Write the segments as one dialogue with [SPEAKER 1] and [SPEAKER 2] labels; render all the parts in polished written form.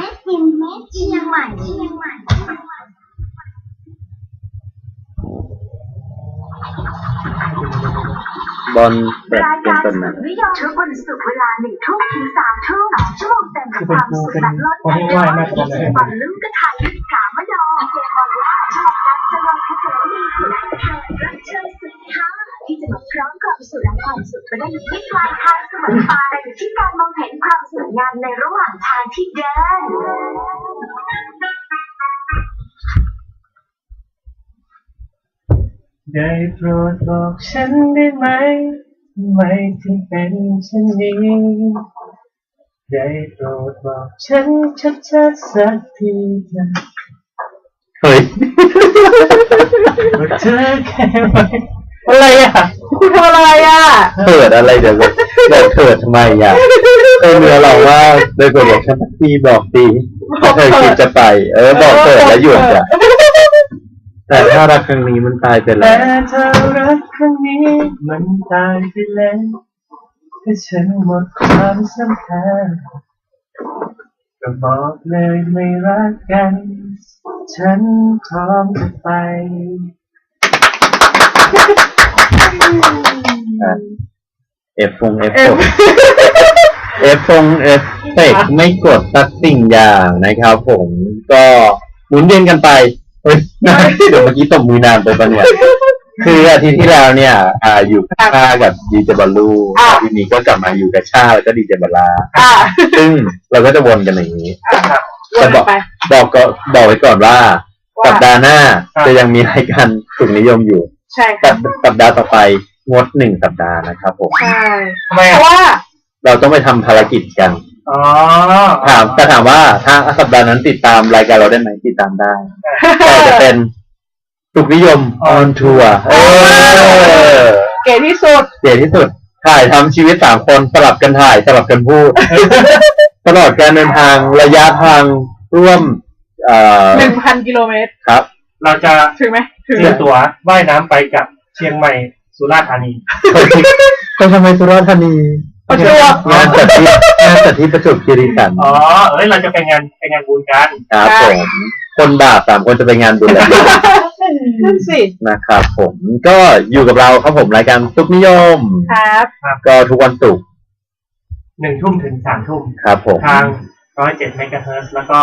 [SPEAKER 1] Made in เชียงใหม่
[SPEAKER 2] บอลเปิดเป็นต้นนะ
[SPEAKER 1] ทุกวันศุกร์เวลา1 ทุ่มถึง3 ทุ่ม2 ชั่วโมงเต็มกับความสุขแบบล้นเหลือบอลลุ้นกระทายกามดองเจบอลว่าชอบรักจะลองให้เธอมีสุดรักเธอสุดท้ายที่จะมาพร้อมความสุขและความสุขไปได้ไม่ปลายทางเสมอไปแต่อยู่ที่การมองเห็นความสวยงามในระหว่างทางที่เดิน
[SPEAKER 3] ได้โปรดบอกฉันได้ไหมทำไมถึงเป็นเช่นนี้ได้โปรดบอกฉันชัดๆสักทีเถอะ
[SPEAKER 2] เฮ้ย
[SPEAKER 3] เธอแค่ไหนอะไรอ่ะ
[SPEAKER 4] คุณทำอะไรอ่ะ
[SPEAKER 2] เถิดอะไรเดี๋ยวเถิดทำไมอ่ะเนื้อเราว่าโดยกฎบอกฉันตีบอกตีถ้าเธอคิดจะไปบอกเถิดแล้วหยุดอ่ะแต่ถ้ารักครั้งนี้มันตายไปแล้ว
[SPEAKER 3] แต่ถ้ารักครั้งนี้มันตายไปแล้วถ้าฉันหมดความสำคัญก็บอกเลยไม่รักกันฉันพร้อมจะไป
[SPEAKER 2] เอฟเฟกไม่กดสักสิ่งอย่างนะครับผมก็หมุนเวียนกันไปเดี๋ยวเมื่อกี้ตบมือนานไปปะเนี่ยคืออาทิตย์ที่แล้วเนี่ยอยู่กับชากับดีเจบอลลูทีนี้ก็กลับมาอยู่กับชาแล้วก็ดีเจบอลลาซึ่งเราก็จะวนกันอย่างนี้แต่บอกไว้ก่อนว่าสัปดาห์หน้าจะยังมีรายการสุขนิยมอยู่
[SPEAKER 4] ใช่ค่ะ
[SPEAKER 2] สัปดาห์ต่อไปงด1 สัปดาห์นะครับผม
[SPEAKER 4] ใช่
[SPEAKER 3] ทำไมเพราะว่า
[SPEAKER 2] เราต้องไปทำภารกิจกันถามว่าถ้าสัปดาห์นั้นติดตามรายการเราได้ไหมติดตามได้แต่จะเป็นสุขนิยมออนทัวร์
[SPEAKER 4] เก๋ที่สุด
[SPEAKER 2] ถ่ายทำชีวิต3 คนสลับกันถ่ายสลับกันพูดตลอดการเดินทางระยะทางร่วม
[SPEAKER 4] 1,000 กิโลเมตร
[SPEAKER 3] ครับเราจะ
[SPEAKER 4] ถึงไหม
[SPEAKER 3] ซื้อตั๋วว่ายน้ำไปกับเชียงใหม่สุราษฎร์ธานี
[SPEAKER 2] ก็ทำไมสุราษฎร์ธานีงานจัดที่ประจวบคีรีขันธ์
[SPEAKER 3] เราจะไปงานบุญกัน
[SPEAKER 2] ครับผมคนบาป3 คนจะไปงานบุญแล้ว
[SPEAKER 4] นั่นสิ
[SPEAKER 2] นะครับผมก็อยู่กับเราครับผมรายการสุขนิยม
[SPEAKER 4] ครับ
[SPEAKER 2] ก็ทุกวันศุกร์
[SPEAKER 3] 1 ทุ่มถึง3 ทุ่ม
[SPEAKER 2] ครับผม
[SPEAKER 3] ทาง107 เมกะเฮิรตซ์แล้วก็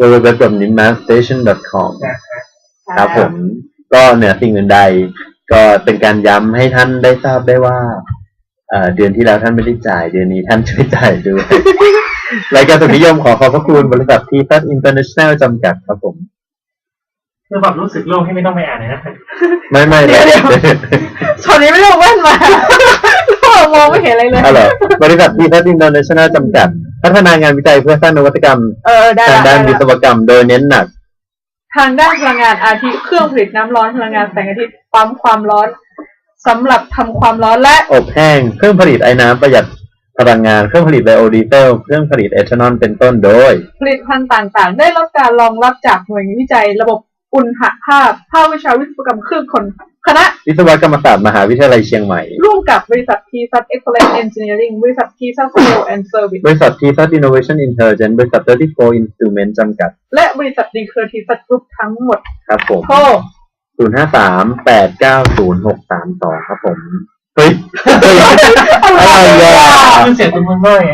[SPEAKER 2] www.nimmastation.com ครับผมก็เหนือสิ่งอื่นใดก็เป็นการย้ำให้ท่านได้ทราบได้ว่าเดือนที่แล้วท่านไม่ได้จ่ายเดือนนี้ท่านช่วยจ่ายด้วย รายการสุขนิยมขอบพระคุณบริษัททีซัสอินเตอร์เนชั่นแนลจำกัดครับผม
[SPEAKER 3] คือแบบรู้สึกโล่งที่ไม่ต้องไปอ่านเลยนะ
[SPEAKER 2] ไม่
[SPEAKER 4] เดี๋ยวตอนนี้ไม่ต้องแว่นมามองไม่เห็นอะไรเลย
[SPEAKER 2] บริษัททีซัสอินเตอร์เนชั่นแนลจำกัดพัฒนางานวิจัยเพื่อสร้างนวัตกรรมทางด้านวิศวกรรมโดยเน้นหนัก
[SPEAKER 4] ทางด้านพลังงานอาทิเครื่องผลิตน้ำร้อนพลังงานแสงอาทิตย์ปั๊มความร้อนสำหรับทำความร้อนและ
[SPEAKER 2] อบแห้งเครื่องผลิตไอ้น้ำประหยัดพลังงานเครื่องผลิตไบโอดีเซลเครื่องผลิตเอทานอลเป็นต้นโดย
[SPEAKER 4] ผลิตภัณฑ์ต่างๆได้รับการรองรับจากหน่วยวิจัยระบบอุณหภาพภาควิชาวิศวกรรมเครื่องกลคณะ
[SPEAKER 2] วิศวกรรมศาสตร์มหาวิทยาลัยเชียงใหม่
[SPEAKER 4] ร่วมกับบริษัททีซัสเอ็กซ์เลนต์เอนจิเนียริ่งบริษัททีซัสเซลแอนด์เซอร์วิส
[SPEAKER 2] บริษัททีซัสอินโนเวชั่นอินเทลเจนต์บริษัท34 Instrument จำกัด
[SPEAKER 4] และบริษัทดีเคอร์ทีซัสกรุ๊ปทั้งหมด
[SPEAKER 2] ครับผม
[SPEAKER 4] โทร
[SPEAKER 2] 053-890-632ครับผมเฮ้ย
[SPEAKER 3] อะไรอ่ะมันเสียงตัวมันน้อย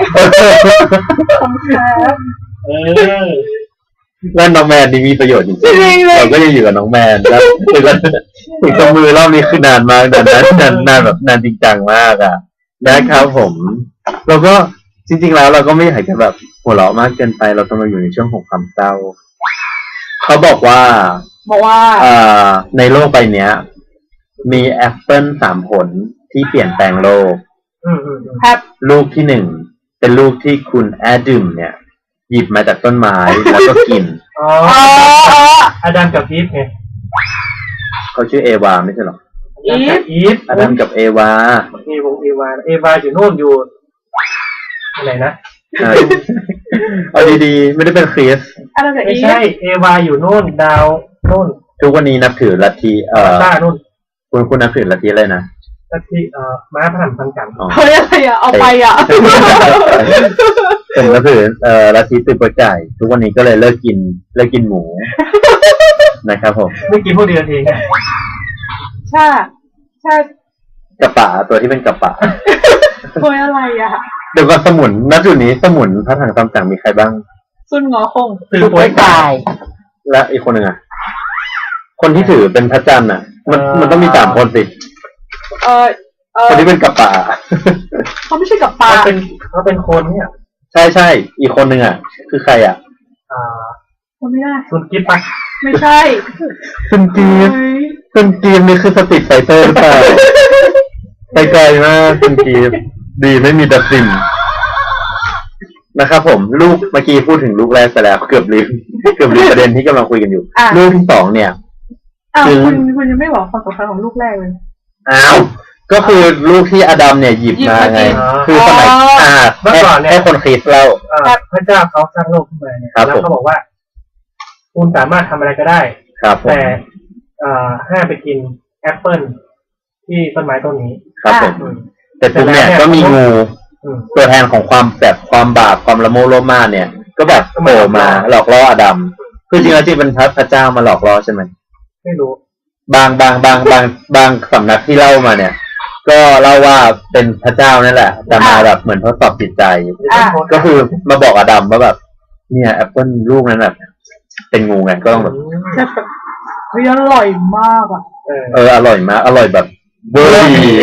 [SPEAKER 2] แล้วน้องแมนนี่มีประโยชน์จริงๆเราก็ยังอยู่กับน้องแมนแล้วถึงตัวมือรอบนี้คือนานมากนานแบบนานจริงจังมากอ่ะนะครับผมเราก็จริงๆแล้วเราก็ไม่อยากจะแบบหัวเราะมากเกินไปเราต้องมาอยู่ในช่วงของความเศร้าเขาบอกว่าในโลกใบนี้มีแอปเปิล3 ผลที่เปลี่ยนแปลงโลกลูกที่1เป็นลูกที่คุณแอดัมเนี่ยหยิบมาจากต้นไม้แล้วก็กิน
[SPEAKER 3] อาดัมกับอีฟไง
[SPEAKER 2] เขาชื่อเอวาไม่ใช่หรออาดัมกับเอวา
[SPEAKER 3] เอวาอยู่โน่นอยู่อะไรนะ
[SPEAKER 2] เอาดีๆไม่ได้เป็นคริส
[SPEAKER 3] ไม่ใช่เอวาอยู่โน่นดาวโน่น
[SPEAKER 2] ทุกวันนี้นับถือลัทธิ
[SPEAKER 3] ต้าโน่น
[SPEAKER 2] คุณนับถือลัทธิอะไรนะ
[SPEAKER 3] ลัทธิม้าพระหัตถ์พันกัน
[SPEAKER 4] เฮ้ยอะไรอ่ะเอาไปอ่ะ
[SPEAKER 2] ผมก็คือลัทธิตือโปรจ่ายทุกวันนี้ก็เลยเลิกกินหมูนะครับผม
[SPEAKER 3] ไม่กินพวกเดียวเอง
[SPEAKER 4] ใช่
[SPEAKER 2] กระป๋าตัวที่เป็นกระป๋า
[SPEAKER 4] โวยอะไรอ่ะ
[SPEAKER 2] เดี๋ยวก็สมุนณจุดนี้สมุนพระถังตำจังมีใครบ้าง
[SPEAKER 4] ซุนงอคง
[SPEAKER 3] ตือโป้ยตาย
[SPEAKER 2] และอีกคนหนึ่งอ่ะคนที่ถือเป็นพระจันทร์อ่ะมันต้องมี3 คนสิคนที่เป็นกระป๋า
[SPEAKER 4] เขาไม่ใช่กับปลา
[SPEAKER 3] เขาเป็นคนเนี่ย
[SPEAKER 2] ใช่อีกคนหนึ่งอ่ะคือใครอ่ะ
[SPEAKER 4] เขาไม่ได้
[SPEAKER 3] ซุนกิฟต์ปะ
[SPEAKER 4] ไม่ใช่
[SPEAKER 2] คุณกีฟนี่คือสติไฟเตอร์หรือเปล่าไปไกลมากคุณกีฟดีไม่มีดับซิมนะครับผมลูกเมื่อกี้พูดถึงลูกแรกไปแล้วเกือบลืมประเด็นที่กำลังคุยกันอยู่ลูกที่2เนี่ย
[SPEAKER 4] คุณยังไม่บอกความสำคัญของลูกแรกเลย
[SPEAKER 2] ก็คือลูกที่อดัมเนี่ยหยิบมาไงคือสมัยเมื่อก่อนเนี่ยให้คนคริสต์เล่า
[SPEAKER 3] พระเจ้าเขาสร้างโลกขึ้นมาเนี่ยแล้วเขาบอกว่าคุณสามารถทำอะไรก็ได้แต่ห้ามไปกินแอปเปิ้ลที่ต้นไม้ต้นนี้
[SPEAKER 2] ครับผมแต่ตรงเนี่ยก็มีงูตัวแทนของความแบบความบาปความละโมบโลภมากเนี่ยก็แบบโผล่มาหลอกล่ออดัมคือจริงๆเป็นพระเจ้ามาหลอกล่อใช่ไหม
[SPEAKER 3] ไม่รู้
[SPEAKER 2] บางสำนักที่เล่ามาเนี่ยก็เล่าว่าเป็นพระเจ้านั่นแหละแต่มาแบบเหมือนทดสอบจิตใจก็คือมาบอกอดัมว่าแบบเนี่ยแอปเปิ้ลลูกนั้นแบบเป็นงูไงก็ต้องแบบ
[SPEAKER 4] เฮ้ยอร่อยมากอ่ะ
[SPEAKER 2] อร่อยมากอร่อยแบบเบอร์ดี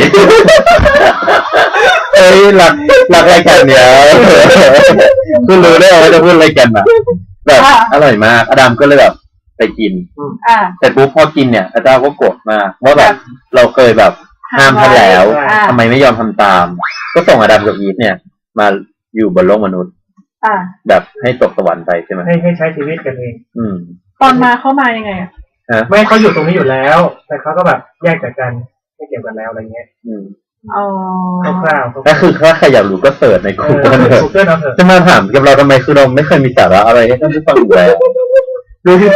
[SPEAKER 2] รักอะไรกันเนี่ยคือรู้ได้ว่าจะพูดอะไรกันอ่ะแบบอร่อยมากอดัมก็เลยแบบไปกินแต่ปุ๊บพอกินเนี่ยพระเจ้าก็โกรธมากว่าแบบเราเคยแบบห้ามท่านแล้วทำไมไม่ยอมทำตามก็ส่งอดัมกับอีฟเนี่ยมาอยู่บนโลกมนุษย์แบบให้ตกสวรรค์ไปใช่ไหม
[SPEAKER 3] ให้ใช้ชีวิตกันเอง
[SPEAKER 4] ตอนมาเขามายังไง
[SPEAKER 3] ไม่เขาอยู่ตรงนี้อยู่แล้วแต่เขาก็แบบแยกจากกันไม่เกี่ยวกันแล้วอะไรเงี้ยคร่าวๆ
[SPEAKER 2] ก็คือถ้าใครอยากรู้ก็เสิร์ชใน Google เถอะจะมาถามกับเราทำไมคือเราไม่เคยมีสาระอะไรให้ท่านผู้ฟังอยู่แล้วลูกที่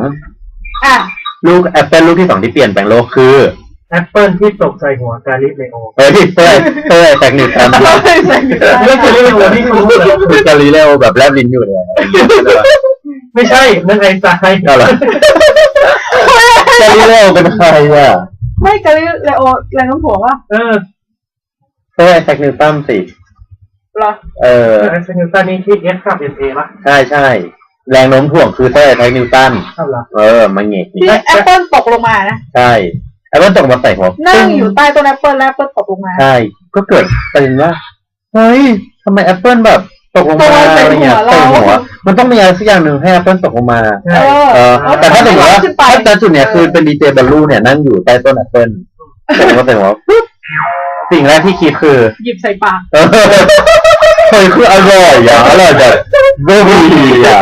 [SPEAKER 2] 2ลูกแอปเปิลลูกที่2ที่เปลี่ยนแปลงโลกคือ
[SPEAKER 3] แอปเปิลที่ตกใส่หัวกาลิเลโอ
[SPEAKER 2] ที่เต้แตกหนึ่งกัน
[SPEAKER 3] เรื่องกาลิเลโอที่คุณรู้เลย
[SPEAKER 2] คือกาลิเลโอแบบแลบลิ้นอยู่เลย
[SPEAKER 3] ไม่ใช่นั่นไอ้ทราย
[SPEAKER 2] อะไรกาลิเลโอเป็นใครอ่ะ
[SPEAKER 4] ไม่กาลิเลโอแรงโน้มถ่วงวะ
[SPEAKER 2] เต้แตกนิวตันสิ
[SPEAKER 4] หรอ
[SPEAKER 3] ไอ้นิวตันนี่ที่SกับNAป่ะ
[SPEAKER 2] ใช่แรงโน้มถ่วงคือเต้แตกนิวตันมันเงี้ย
[SPEAKER 4] ที่แอปเปิลตกลงมานะ
[SPEAKER 2] ใช่แอปเปิลตกมาใส่หัว
[SPEAKER 4] นั่งอยู่ใต้ต้นแอปเปิลแล้วแอปเปิลตกลงมา
[SPEAKER 2] ใช่ก็เกิดประเด็นว่าเฮ้ยทำไมแอปเปิลแบบตกลงมาอะไรเงี้ยใส่หัวมันต้องมีอะไรสักอย่างหนึ่งให้แอปเปิลตกลงมาแต่ถ้าถึงว่าถ้าจุดเนี้ยคือเป็นดีเจบอลลูเนี่ยนั่งอยู่ใต้ต้นแอปเปิลตกมาใส่หัวสิ่งแรกที่คิดคือ
[SPEAKER 4] หยิบใส่ปาก
[SPEAKER 2] เฮ้ยคืออร่อยอ่ะอร่อยแบบเบอร์ดีอ่ะ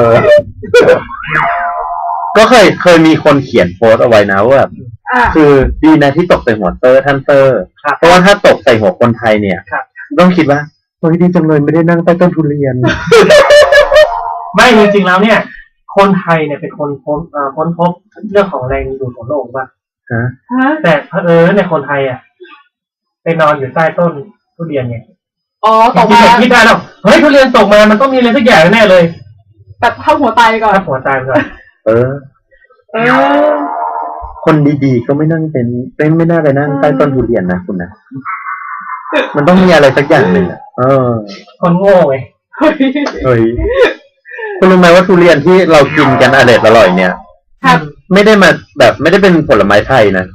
[SPEAKER 2] ก็เคยมีคนเขียนโพสเอาไว้นะว่าคือดีนะที่ตกใส่หัวท่านเตอร์เพราะว่าถ้าตกใส่หัวคนไทยเนี่ยต้องคิดว่าเฮ้ยดีจังเลยไม่ได้นั่งใต้ต้นทุเรียน
[SPEAKER 3] ไม่จริงๆแล้วเนี่ยคนไทยเนี่ยเป็นคนค้นพบเรื่องของแรงดูดของโลกป่ะแต่ในคนไทยอ่ะไปนอนอยู่ใต้ต้นทุเรียนไง
[SPEAKER 4] ตกมา
[SPEAKER 3] คิดได้แล้วเฮ้ยทุเรียนตกมามันต้องมีอะไรสักอย่างแน่เลย
[SPEAKER 4] แต่เข้าหัวตายก่อน
[SPEAKER 3] เข้าหัวตายก่อน
[SPEAKER 2] คนดีๆก็ไม่นั่งไม่น่าไปนั่งใต้ต้นทุเรียนนะคุณนะมันต้องมีอะไรสักอย่างหนึ่ง
[SPEAKER 3] คนโง่ไง
[SPEAKER 2] เฮ้ยคุณรู้ไหมว่าทุเรียนที่เรากินกันอร่อยเนี่ยไม่ได้มาแบบไม่ได้เป็นผลไม้ไทยนะ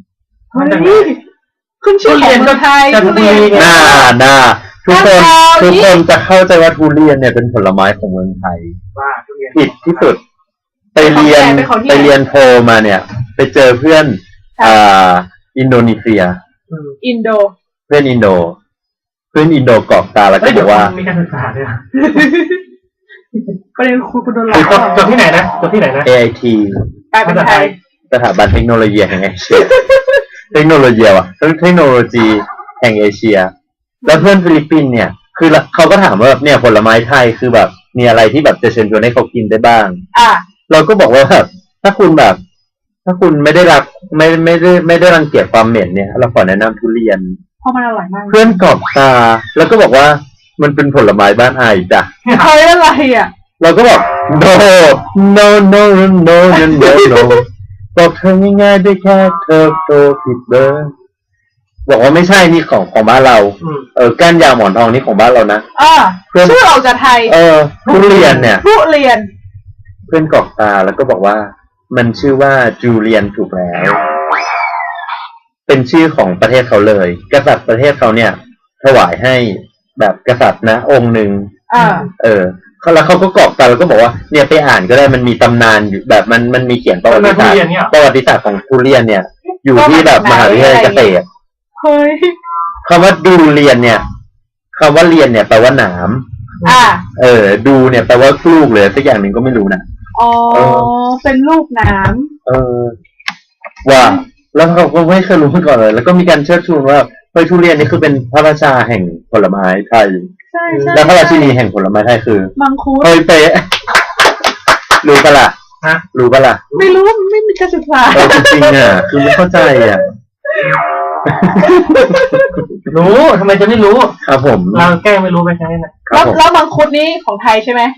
[SPEAKER 4] ขึ้นชื่อของไทยทุเรียน
[SPEAKER 2] น่าทุกคนจะเข้าใจว่าทุเรียนเนี่ยเป็นผลไม้ของเมืองไทยผิดที่สุดไปเรียนโทมาเนี่ยไปเจอเพื่อนอินโดนีเซียเพื่อนอินโดกรอกตาแล้วก็บอกว่า
[SPEAKER 3] มีการศึกษาด้วย
[SPEAKER 4] ประเด็นคุณโดนหลอก
[SPEAKER 3] จบที่ไหนนะ
[SPEAKER 2] AIT
[SPEAKER 4] กลายเป็นไทย
[SPEAKER 2] สถาบันเทคโนโลยีแห่งเอเชียเทคโนโลยีแห่งเอเชียแล้วเพื่อนฟิลิปปินส์เนี่ยคือเขาก็ถามว่าเนี่ยผลไม้ไทยคือแบบมีอะไรที่แบบจะเชิญชวนให้เขากินได้บ้างเราก็บอกว่าแบบถ้าคุณไม่ได้รักไม่ได้รังเกียจความเหม็นเนี่ยเราขอแนะนำทุเรียน
[SPEAKER 4] เพราะมันอร่อยมาก
[SPEAKER 2] เพื่อนกรอบตาแล้วก็บอกว่ามันเป็นผลไม้บ้านไอจ้ะ
[SPEAKER 4] เฮ้ยอะไรอ่ะ
[SPEAKER 2] เราก็บอก no no no no no no no no บอกเธอง่ายๆได้แค่เธอโตผิดเบอร์บอกว่าไม่ใช่นี่ของบ้านเราก้านยาวหมอนทองนี่ของบ้านเรานะ
[SPEAKER 4] ชื่อออกจากไทย
[SPEAKER 2] ทุเรียนเนี่ย
[SPEAKER 4] ทุเรียน
[SPEAKER 2] เพื่อนกรอกตาแล้วก็บอกว่ามันชื่อว่าจูเลียนถูกแล้วเป็นชื่อของประเทศเขาเลยกษัตริย์ประเทศเขาเนี่ยถวายให้แบบกษัตริย์นะองค์หนึ่งแล้วเขาก็กรอกตาแล้วก็บอกว่าเนี่ยไปอ่านก็ได้มันมีตำนานอยู่แบบมันมีเขียนประวัติศาสตร์ของทุเรียนเนี่ยอยู่ที่แบบมหาวิทยาลัยเกษตร
[SPEAKER 4] เฮ้ย
[SPEAKER 2] คำว่าดูเรียนเนี่ยคำว่าเรียนเนี่ยแปลว่าหนามดูเนี่ยแปลว่าลูกเลยสักอย่างหนึ่งก็ไม่รู้นะ
[SPEAKER 4] เป็นลูกหนาม
[SPEAKER 2] ว่าแล้วเขาก็ไม่เคยรู้มาก่อนเลยแล้วก็มีการเชิดชูว่าเฮ้ยทุเรียนนี่คือเป็นพระราชาแห่งผลไม้ไทย
[SPEAKER 4] ใช่
[SPEAKER 2] แล้วพระราชินีแห่งผลไม้ไทยคือ
[SPEAKER 4] มังคุด
[SPEAKER 2] เฮ้ยเป๊ะรู้ปะล่ะรู้ปะล่ะ
[SPEAKER 4] ไม่รู้ไม่มีการศึกษา
[SPEAKER 2] จริงๆอ่ะคือไม่เข้าใจอ่ะ
[SPEAKER 3] รู้ทำไมจะไม่รู้
[SPEAKER 2] ครับผม
[SPEAKER 3] เราแก้ไม่รู้ไปใช่ไหม
[SPEAKER 4] แล้วมังคุดนี้ของไทยใช่ไหม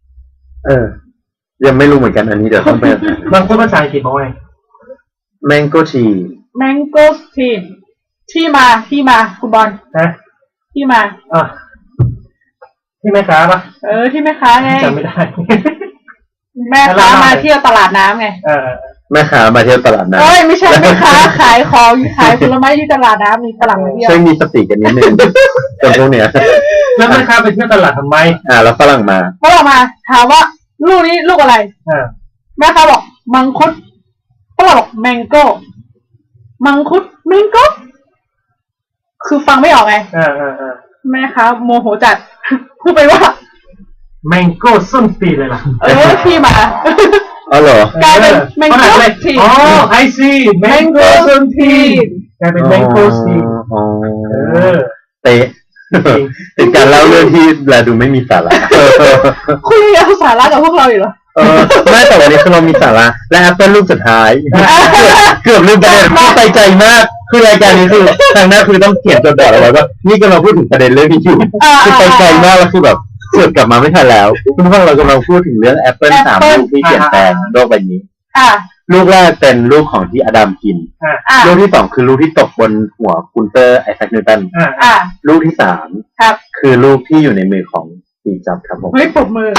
[SPEAKER 2] ยังไม่รู้เหมือนกันอันนี้เดี๋ยวต้องไป
[SPEAKER 3] มังคุดภาษาอังกฤษบอกว่า
[SPEAKER 2] mango tea
[SPEAKER 4] mango tea ที่มาคุณบอลที่มา
[SPEAKER 3] ที่แม่ค้าปะ
[SPEAKER 4] ที่แม่ค้าไง
[SPEAKER 3] จำไม่ได้
[SPEAKER 4] แม่ค้ามาเที่ยวตลาดน้ำไง
[SPEAKER 2] แม่ค้ามาเที่ยวตลาดน้
[SPEAKER 4] ำไม่ใช่แม่ค้าขายของขายผลไม้ที่ตลาดน้ำมีฝรั่งมาเที่ยว
[SPEAKER 2] ช่วยมีสติกันนิดนึงตรงพวกเนี้ย
[SPEAKER 3] แล้วแม่ค้าไปเที่ยวตลาดทำไม
[SPEAKER 2] แล้วฝรั่งมา
[SPEAKER 4] ถามว่าลูกนี้ลูกอะไรแม่ค้าบอกมังคุดฝรั่งบอกแมงโก้มังคุดแมงโก้คือฟังไม่ออกไงแม่ค้าโมโหจัดพูดไปว่า
[SPEAKER 3] แมงโก้ส้นตีเลยล่ะ
[SPEAKER 4] ที่มา
[SPEAKER 2] เหรอก
[SPEAKER 4] ลายเป็นแมงโก้ที
[SPEAKER 3] ไอซีแมงโก้ส้นตีกลายเป็นแมงโก้ซี
[SPEAKER 2] เตะเป็นการเล่าเรื่องที่แลดูไม่มีสาระ
[SPEAKER 4] คุณยังเอาสาระกับพวกเราอยู่เหรอ
[SPEAKER 2] ไม่แต่วันนี้คือเรามีสาระและแอปเปิลรูปสุดท้ายเกือบลืมประเด็นที่ใจใจมากคือรายการนี้คือทางหน้าคือต้องเขียนตัวบอดเอาไว้ว่านี่กำลังพูดถึงประเด็นเรื่องที่อยู่คือใจใจมากแล้วคือแบบเกิดกลับมาไม่ทันแล้วคุณฟังเรากำลังพูดถึงเรื่องแอปเปิล3ลูกที่เปลี่ยนแปลงโลกใบนี้ลูกแรกเป็นลูกของที่อดัมกินลูกที่2คือลูกที่ตกบนหัวคุณเตอร์ไอแซคนิวตันลูกที่3คือลูกที่อยู่ในมือของสตีฟจ็อบส์ครับผม
[SPEAKER 4] ปรบมือ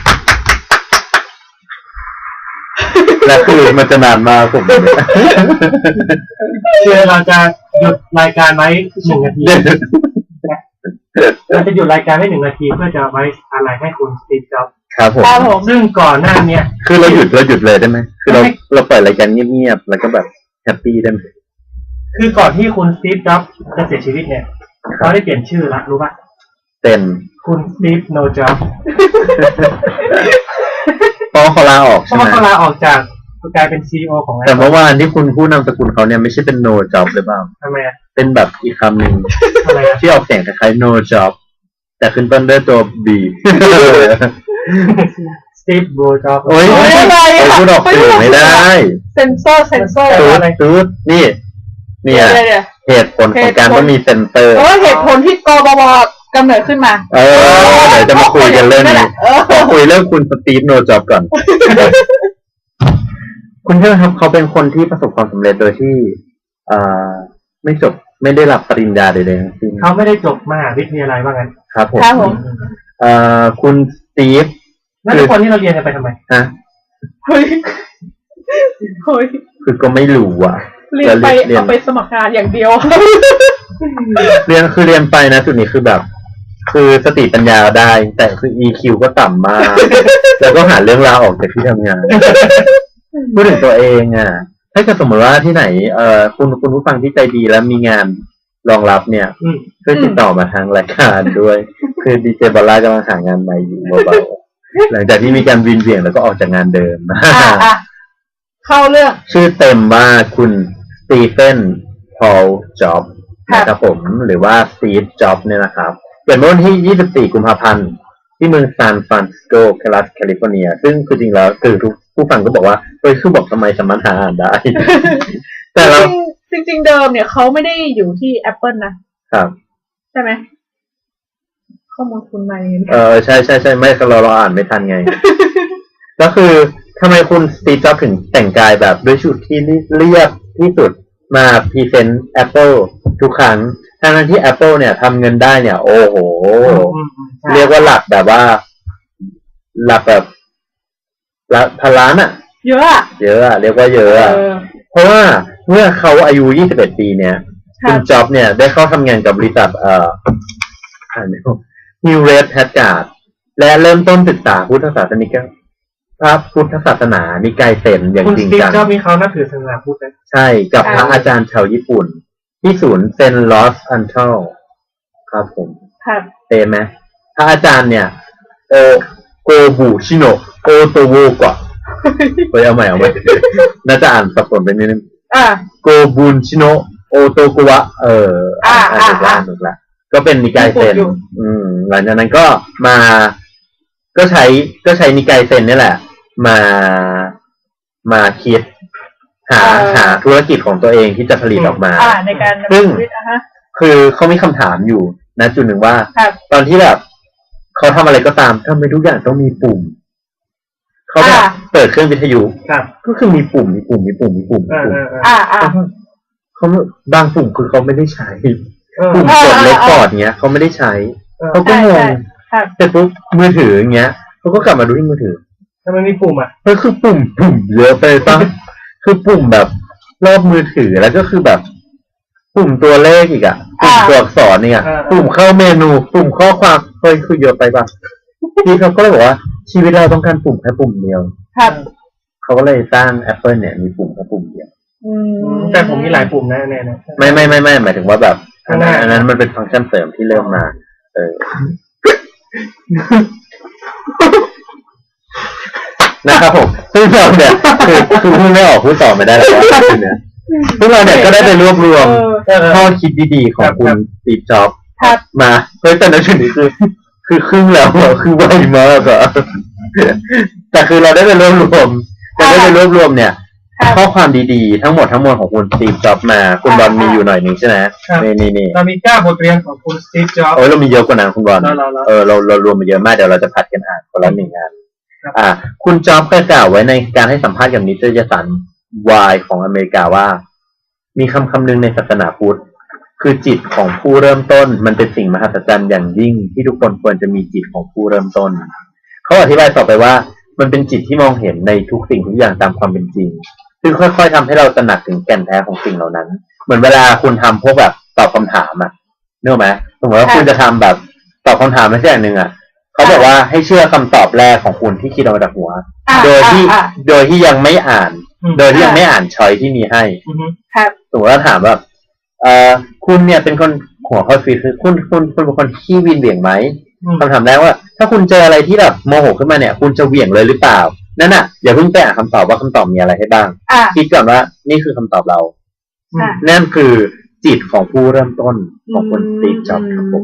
[SPEAKER 2] และคือมันจะนานมากผม
[SPEAKER 3] เราจะหยุดรายการไว้1 นาทีเราจะหยุดรายการไว้1 นาทีเพื่อจะไว้อะไรให้คุณสตีฟจ็อบส์
[SPEAKER 2] ครับผม
[SPEAKER 3] ซึ่งก่อนหน้านี้
[SPEAKER 2] คือเราหยุดเลยได้ไหมคือเราปล่อยรายการเงียบๆแล้วก็แบบแฮปปี้ได้ไหม
[SPEAKER 3] คือก่อนที่คุณสตีฟจ็อบส์จะเสียชีวิตเนี่ยเขาได้เปลี่ยนชื่อละรู้ป่ะ
[SPEAKER 2] เป็น
[SPEAKER 3] คุณสตีฟโนจ็อบส์
[SPEAKER 2] เพราะเขาลาออกใช่ไหม
[SPEAKER 3] เขาลาออกจากกลายเป็น CEO ของ
[SPEAKER 2] แต่เมื่อวานที่คุณพูดนามสกุลเขาเนี่ยไม่ใช่เป็น no job หรือเปล่า
[SPEAKER 3] ทำไม
[SPEAKER 2] เป็นแบบอีกคำหนึ่งที่ออกเสียงคล้ายๆ no job แต่ขึ้นต้นด้วยตัว B
[SPEAKER 3] Steve Bro Job
[SPEAKER 2] โอ้ย
[SPEAKER 4] อะไร
[SPEAKER 2] พูดออกเสียงไม่ได้
[SPEAKER 4] เซนเซอร์
[SPEAKER 2] ตูดนี่เหตุผลของการต้องมีเซนเซอร์
[SPEAKER 4] เหตุผลที่กบวกำเนิดขึ้นมา
[SPEAKER 2] เดี๋ยวจะมาคุยกันเรื่องนี้คุยเรื่องคุณสตีฟโนจ็อบก่อนคุณเชื่อครับเขาเป็นคนที่ประสบความสำเร็จโดยที่ไม่ได้รับปริญญาใดๆทั้งสิ้น
[SPEAKER 3] เขาไม่ได้จบมหาวิทยาลัยว่างั้น
[SPEAKER 2] ครับผมคุณสตีฟ
[SPEAKER 3] นั่นคือคนที่เราเรียนกันไปทำไม
[SPEAKER 4] เฮ้ย
[SPEAKER 2] คือก็ไม่รู้อ่ะ
[SPEAKER 4] เรียนไปเอาไปสมัครงานอย่างเดียว
[SPEAKER 2] เรียนไปนะจุดนี้คือแบบคือสติปัญญาได้แต่คือ EQ ก็ต่ำมากแล้วก็หาเรื่องราวออกจากที่ทำงานพูดถึงตัวเองอ่ะถ้าเกิดสมมติว่าที่ไหนคุณผู้ฟังที่ใจดีแล้วมีงานรองรับเนี่ยช่วยติดต่อมาทางรายการด้วยคือดีเจบอลล่ากำลังหางานใหม่อยู่เบาๆหลังจากที่มีการวินเวียงแล้วก็ออกจากงานเดิม
[SPEAKER 4] เข้าเรื่อง
[SPEAKER 2] ชื่อเต็มว่าคุณสตีเฟนพอลจ็อบนะครับผมหรือว่าสตีฟจ็อบเนี่ยนะครับเกิดเมื่อวันที่24 กุมภาพันธ์ที่เมืองซานฟรานซิสโกรัฐแคลิฟอร์เนียซึ่งคือจริงแล้วคือทุกผู้ฟังก็บอกว่าคือบอกทำไมสามารถหาอ่านได้
[SPEAKER 4] แต่เราจริงเดิมเนี่ยเขาไม่ได้อยู่ที่ Apple นะครับ
[SPEAKER 2] ใช่
[SPEAKER 4] ไหมข้อมูลคุณมา
[SPEAKER 2] ใช่ไม่เราอ่านไม่ทันไง ก็คือทำไมคุณสตีฟจ็อบส์ถึงแต่งกายแบบด้วยชุดที่เรียบที่สุดมาพรีเซนต์ Apple ทุกครั้งทั้งที่ Apple เนี่ยทำเงินได้เนี่ย โอ้โห เรียกว่าหลักแบบว่า หลักแบบพันล้านอ่ะ
[SPEAKER 4] เยอะอะ
[SPEAKER 2] เรียกว่าเยอะอะเพราะว่าเมื่อเขาอายุ21 ปีเนี่ยคุณจ็อบส์เนี่ยได้เข้าทำงานกับบริษัทNew Red Packard และเริ่มต้นศึกษาพุทธศาสนิกพระพุทธศาสนานิกายเซนอย่างจริงจัง
[SPEAKER 3] คุณสตีฟจ็อบส์มีเขานับถือศาสนาพุทธนะ
[SPEAKER 2] ใช่กับพระอาจารย์ชาวญี่ปุ่น ที่ศูนย์เซนต์ลอสอันเทลครับผมเต็มไหมพระอาจารย์เนี่ยโกบุชิโนะโอโตโวกะไปเอาใหม่น่าจะอ่านสับสนไปนิดนึงโกบุชิโนะโอโตโกวะถูกละก็เป็นนิกายเซนหลังจากนั้นก็ก็ใช้นิกายเซนนี่แหละมาคิดหาธุรกิจของตัวเองที่จะผลิตออกมา
[SPEAKER 4] ในการ
[SPEAKER 2] ซึ่งคือเขามีคำถามอยู่นะจุดหนึ่งว่าตอนที่แบบเขาทำอะไรก็ตามทำไมทุกอย่างต้องมีปุ่มเขาแบบเปิดเครื่องวิทยุก็คือมีปุ่มเขาบางปุ่มคือเขาไม่ได้ใช้ปุ่มกดเลคคอร์ดเงี้ยเขาไม่ได้ใช้เขาก็งงแต่ปุ๊บมือถือเงี้ยเขาก็กลับมาดูที่มือถือ
[SPEAKER 3] ทำไมมีปุ่มอ่ะ
[SPEAKER 2] ก็คือปุ่มเยอะไปป่ะคือปุ่มแบบรอบมือถือแล้วก็คือแบบปุ่มตัวเลขอีกอ่ะปุ่มตัวอักษรเนี่ยปุ่มเข้าเมนูปุ่มข้อความคือเยอะไปป่ะที่เขาก็เลยบอกว่าชีวิตเราต้องการปุ่มแค่ปุ่มเดียวเขาก็เลยสร้าง Apple เนี่ยมีปุ่มแค่ปุ่มเดียว
[SPEAKER 3] แต่ผมมีหลายปุ่มนะแน่ๆ
[SPEAKER 2] ไม่หมายถึงว่าแบบอันนั้นมันเป็นฟังก์ชันเสริมที่เริ่มมานะครับผมซึ่งเราเนี่ยคือพูดไม่ออกพูดต่อไม่ได้แล้วเนี่ยพวกเราเนี่ยก็ได้ไปรวบรวมข้อคิดดีๆของคุณสตีฟจ็อบส์มาแต่ในชุดนี้คือครึ่งแล้วคือไวมากอะแต่คือเราได้ไปรวบรวมเนี่ยข้อความดีๆทั้งหมดของคุณสตีฟจ็อบส์มาคุณบอลมีอยู่หน่อยนึงใช่ไหมนี่
[SPEAKER 3] เรามี9บทเรียนของคุณสตีฟจ็อบส์
[SPEAKER 2] เรามีเยอะกว่านั้นคุณบอลเรารวมมาเยอะมากเดี๋ยวเราจะผัดกันอ่านคนละ1 งานคุณจ็อบส์เคยกล่าวไว้ในการให้สัมภาษณ์กับนิตยสาร Y ของอเมริกาว่ามีคำหนึ่งในศาสนาพุทธคือจิตของผู้เริ่มต้นมันเป็นสิ่งมหัศจรรย์อย่างยิ่งที่ทุกคนควรจะมีจิตของผู้เริ่มต้นเขาอธิบายต่อไปว่ามันเป็นจิตที่มองเห็นในทุกสิ่งทุกอย่างตามความเป็นจริงซึ่งค่อยๆทำให้เราตระหนักถึงแก่นแท้ของสิ่งเหล่านั้นเหมือนเวลาคุณทำพวกแบบตอบคำถามนึกออกไหมสมมติว่าคุณจะทำแบบตอบคำถามไม่ใช่อย่างหนึ่งเขาบอกว่าให้เชื่อคำตอบแรกของคุณที่คิดออกมาจากหัวโดยที่ยังไม่อ่านช้อยที่มีให้สมมติว่าถามแบบคุณเนี่ยเป็นคนหัวข้อฟีคือคุณเป็นคนขี้วินเหวี่ยงไหมคำถามแรกว่าถ้าคุณเจออะไรที่แบบโมโหขึ้นมาเนี่ยคุณจะเหวี่ยงเลยหรือเปล่านั่นน่ะอย่าเพิ่งไปอ่านคำตอบว่าคำตอบมีอะไรให้บ้างคิดก่อนว่านี่คือคำตอบเรานั่นคือจิตของผู้เริ่มต้นของคนสตีฟจ็อบส์ครับผม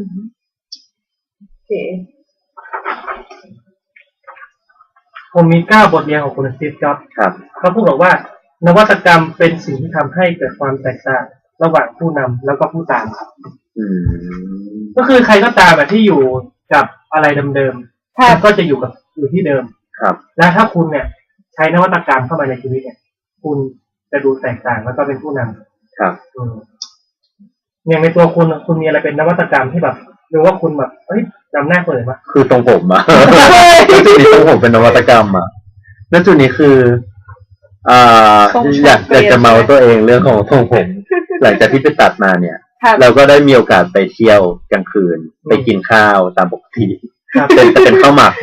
[SPEAKER 3] ผมมี9บทเรียนของคุณสตีฟจ็อบส์เขาพูดบอกว่านวัตกรรมเป็นสิ่งที่ทำให้เกิดความแตกต่างระหว่างผู้นำแล้วก็ผู้ตามครับก็คือใครก็ตามที่อยู่กับอะไรเดิมๆก็จะอยู่ที่เดิม
[SPEAKER 2] ครับ
[SPEAKER 3] และถ้าคุณเนี่ยใช้นวัตกรรมเข้ามาในชีวิตเนี่ยคุณจะดูแตกต่างแล้วก็เป็นผู้น
[SPEAKER 2] ำครับ
[SPEAKER 3] อย่างในตัวคุณมีอะไรเป็นนวัตกรรมที่แบบหรือว่าคุณแบบนำหน้าคนอื่นมา
[SPEAKER 2] คือตรงผมจุดนี้ตรงผมเป็นนวัตกรรมแล้วจุดนี้คืออยากจะเมาตัวเองเรื่องของทรงผมหลังจากที่ไปตัดมาเนี่ยเราก็ได้มีโอกาสไปเที่ยวกลางคืนไปกินข้าวตามปกติเป็นข้าวหมัก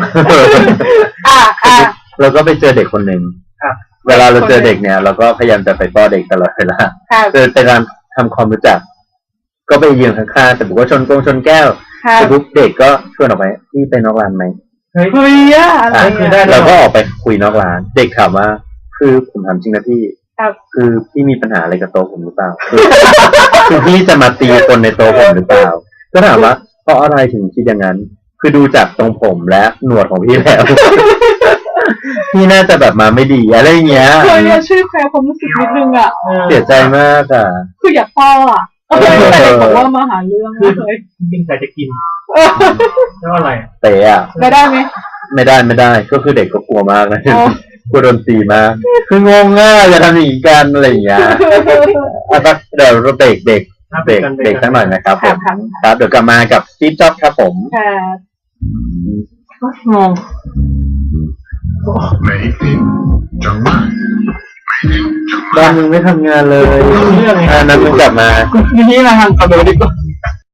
[SPEAKER 2] เราก็ไปเจอเด็กคนหนึ่งเวลาเราเจอเด็กเนี่ยเราก็พยายามจะไปป้อนเด็กตลอดเวลาเป็นการทำความรู้จักก็ไปยืนข้างๆแต่ผมก็ชนแก้วแต่ปุ๊บเด็กก็ชวนออกไปนี่ไปนอกร้านไหม
[SPEAKER 4] คุยอะไร
[SPEAKER 2] เราก็ออกไปคุยนอกร้านเด็กถามว่าคือผมถามจริงนะพี่คือพี่มีปัญหาอะไรกับโต๊ะผมหรือเปล่าคือพี่จะมาตีคนในโต๊ะผมหรือเปล่าก็ถามว่าเพราะอะไรถึงคิดอย่างนั้นคือดูจากตรงผมและหนวดของพี่แล้วพี่น่าจะแบบมาไม่ดีอะไรเงี้ย
[SPEAKER 4] ช่วยแคร์ความรู้สึกนิดนึง
[SPEAKER 2] เสียใจมาก
[SPEAKER 4] คืออยากป้อแต่เด็กบอกว่ามาหาเรื่อง
[SPEAKER 3] คือจริงๆแต่จะกินแล้วอะไร
[SPEAKER 2] เตะอ่ะ
[SPEAKER 4] ได้ไหม
[SPEAKER 2] ไม่ได้ก็คือเด็กก็กลัวมากนะกลัวโดนตีมากคืองงง่ายจะทำอย่างนี้กันอะไรอย่างเงี้ยสักเดี๋ยวเราเบรกเด็กสักหน่อยนะครับผมครับเดี๋ยวกลับมากับสตีฟจ็อบส์ครับผม
[SPEAKER 4] ค่ะงง
[SPEAKER 2] บ้านมึงไม่ทำงานเลย
[SPEAKER 3] เรื่องไง
[SPEAKER 2] นั้นมึงกลับมา
[SPEAKER 3] ทีนี้มาทำคอนโดดีกว่า